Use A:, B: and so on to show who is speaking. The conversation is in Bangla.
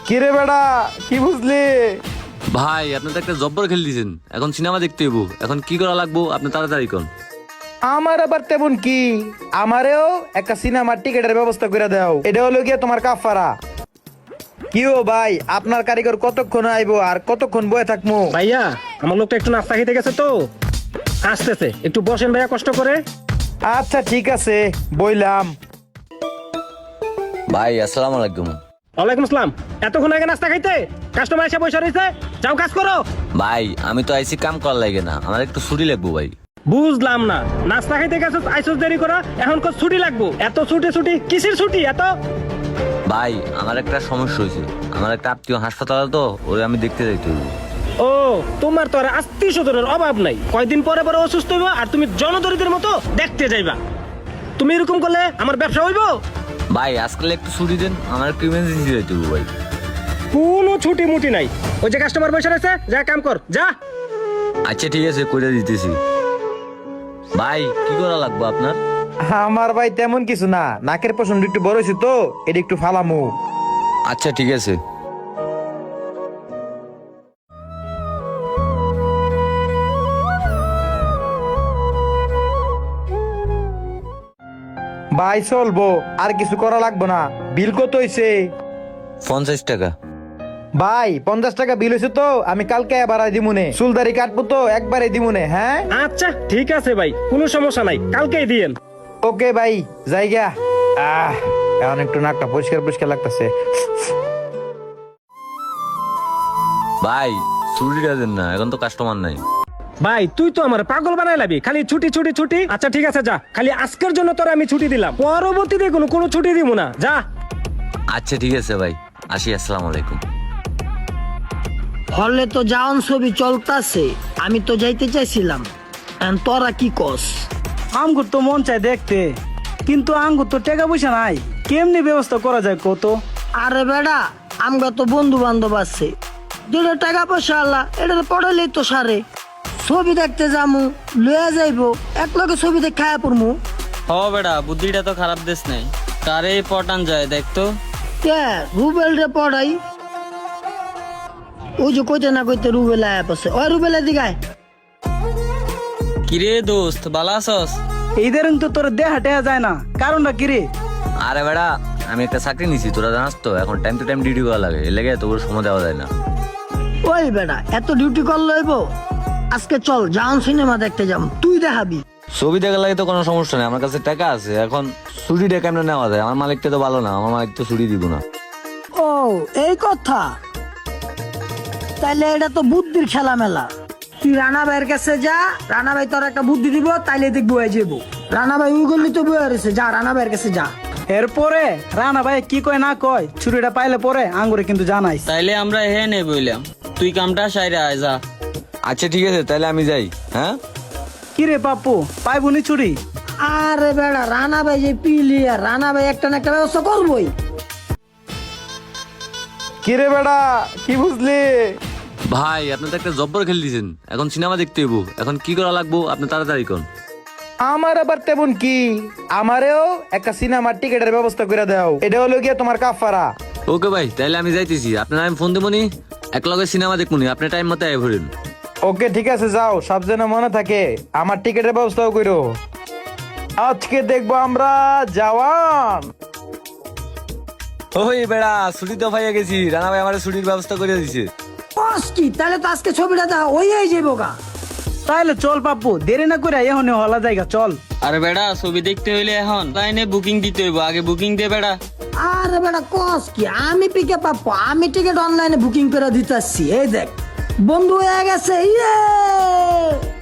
A: কিরে বেড়া কি বুঝলি?
B: ভাই আপনি তো একটা জব্বর খেল দিয়েছেন, এখন সিনেমা দেখতে হইব। এখন কি করা লাগবো আপনি তাড়াতাড়ি কোন।
A: আমার আবার তেমন কি, আমারেও একটা সিনেমার টিকেটের ব্যবস্থা করে দাও। এটা হলো গিয়ে তোমার কাফারা। কি ও ভাই, আপনার কারিগর কতক্ষণ আইবো আর কতক্ষণ বয়ে থাকবো?
C: ভাইয়া আমার লোকটা একটু নাস্তা খেতে গেছে তো আসতেছে, একটু বসেন ভাইয়া কষ্ট করে।
A: আচ্ছা ঠিক আছে, বইলাম।
B: ভাই আসসালামু আলাইকুম।
C: ওয়ালাইকুম আসসালাম। এতক্ষণ আগে নাস্তা খাইতে কাস্টমার এসে বসে রয়েছে, যাও কাজ করো।
B: ভাই আমি তো আইসি কাম করার লাগে না, আমার একটু ছুটি লাগবো ভাই।
C: বুঝলাম না, নাস্তা খাইতে গেছিস আইসোস দেরি করা, এখন কত ছুটি লাগবো? এত ছুটি কিসের ছুটি এত?
B: ভাই আমার একটা সমস্যা হয়েছে, আমার একটা আত্মীয় হাসপাতালে তো, ওই আমি দেখতে যাইতে হইব।
C: ও তোমার তো আর আত্মীয় স্বজনের অভাব নাই, কয়দিন পরে পরে অসুস্থ হইব আর তুমি জনদরিদ্রের মতো দেখতে যাইবা। তুমি এরকম করলে আমার ব্যবসা হইব?
B: ভাই আজকাল একটু ছুটি দেন, আমার একটু ইমার্জেন্সি যাইতে হইব ভাই।
C: কোনো ছুটি মুটি নাই, ওই যে কাস্টমার বসে রয়েছে, যা কাম কর যা।
B: আচ্ছা ঠিক আছে, কইরা দিতেছি। ভাই কি করা লাগবো আপনার?
A: আমার ভাই তেমন কিছু না, নাকের পছন্দ একটু বড় হয়েছে তো, এটা একটু ফালামু।
B: আচ্ছা ঠিক আছে।
A: ভাই চলবো, আর কিছু করা লাগবো না। বিল কত হইছে?
B: 50 টাকা।
A: ভাই 50 টাকা বিল হয়েছে তো, আমি কালকে বাড়াই দিমুনে। চুলদারি কাটবো তো একবারে দিমুনে। হ্যাঁ
C: আচ্ছা ঠিক আছে ভাই, কোনো সমস্যা নাই, কালকেই দিয়েন।
A: ওকে ভাই, জায়গা। এখন একটু নাকটা পরিষ্কার পরিষ্কার লাগতেছে।
B: ভাই ছুটিটা দেন না, এখন তো কাস্টমার নাই।
C: ভাই তুই তো আমার পাগল বানাই লাবি, খালি ছুটি ছুটি ছুটি। আচ্ছা ঠিক আছে যা, খালি আজকের জন্য তোর আমি ছুটি দিলাম, পরবর্তীতে কোনো ছুটি দিব না, যা।
B: আচ্ছা ঠিক আছে ভাই, আসি, আসসালামু আলাইকুম।
D: হলে তো যাওন ছবি চলতাছে, আমি তো যাইতে চাইছিলাম, এখন তোরা কি কস?
E: আঙ্গুর তো মন চায় দেখতে, কিন্তু আঙ্গুর তো টাকা পয়সা নাই, কেমনি ব্যবস্থা করা যায় কত?
D: আরে বেড়া, আমরা তো বন্ধু বান্ধব আছে, যেটা টাকা পয়সা আল্লাহ এটা পড়ালেই তো সারে। ছবি দেখতে যামু, লইয়া যাইবো, এক লগে ছবি দেখে খায়া পড়মু।
F: হ বেড়া, বুদ্ধিটা তো খারাপ দেশ নাই, কারে পটান যায় দেখতো।
D: কে রুবেল রে পড়াই? ওই যে কইতে না কইতে রুবেল আয়া পড়ছে, ওই রুবেলের দিঘায়।
F: কিরে দোস্ত, বালা আছস?
E: এইদের তো তোর দেহা টেহা যায় না, কারণটা কি রে?
B: আরে বেড়া, আমি একটা চাকরি নিছি, তোরা জানাস তো, এখন টাইম টু টাইম ডিউটি করা লাগে, এর লেগে তোর সময় দেওয়া যায় না।
D: ওই বেড়া, এত ডিউটি কর লইব? আজকে চল যাওন সিনেমা দেখতে যাম, তুই দেখাবি।
B: ছবি দেখার লাগে তো কোনো সমস্যা নেই, আমার কাছে টাকা আছে। এখন ছুটিটা কেমনে নেওয়া যায়? আমার মালিকটা তো ভালো না, আমার মালিক তো ছুটি দিব না।
D: ও এই কথা, তাইলে এটা তো বুদ্ধির খেলা মেলা। তুই রানা ভাইয়ের কাছে যা, রানা ভাই তোর একটা বুদ্ধি দিব, তাইলে দেখবো হয়ে যাবো। রানা ভাই ওই গল্লি তো বয়ে রয়েছে, যা রানা ভাইয়ের কাছে যা।
E: এরপরে রানা ভাই কি কয় না কয়, ছুরিটা পাইলে পরে আঙ্গুরে কিন্তু জানাইস।
F: তাইলে আমরা হে নে বইলাম, তুই কামটা সাইরে আয় যা।
B: আচ্ছা ঠিক আছে, তাহলে আমি যাই। হ্যাঁ
E: কি রে পাপ্পু, পাইবুনি ছুরি?
D: আরে বেড়া, রানা ভাই যে পিলিয়ার, রানা ভাই একটা না একটা ব্যবস্থা করবোই।
A: কিরে বেড়া কি বুঝলি?
B: ভাই আপনি তো একটা জব্বর খেল দিয়েছেন, এখন সিনেমা দেখতে হইব। এখন কি করা লাগবো আপনি তাড়াতাড়ি কোন।
A: আমার আবার তেমন কি, আমারেও একটা সিনেমার টিকেটের ব্যবস্থা করে দাও। এটা হলো গিয়ে তোমার কাফারা।
B: ওকে ভাই, তাহলে আমি যাইতেছি, আপনার আমি ফোন দেবনি, এক লগে সিনেমা দেখবনি, আপনি টাইম মতো আয় ভরেন।
A: ওকে ঠিক আছে, যাও, সব যেন মনে থাকে, আমার টিকেটের ব্যবস্থাও করো। আজকে দেখবো আমরা জওয়ান।
B: ওই বেড়া, ছুটি তো পাইয়া গেছি, রানা ভাই আমার ছুটির ব্যবস্থা করে দিছে।
D: বস কি, তাহলে তো আজকে ছবিটা দেখা ওই যাইবো গা।
E: তাইলে চল পাপ্পু, দেরি না করে এখন হলা জায়গা চল।
F: আরে বেড়া, ছবি দেখতে হইলে এখন লাইনে বুকিং দিতে হইব, আগে বুকিং দে বেড়া।
D: আরে বেটা কস কি, আমি পিকে পাবো, আমি টিকিট অনলাইনে বুকিং করে দিতেছি। এই দেখ বন্ধু হয়ে গেছে, ইয়ে।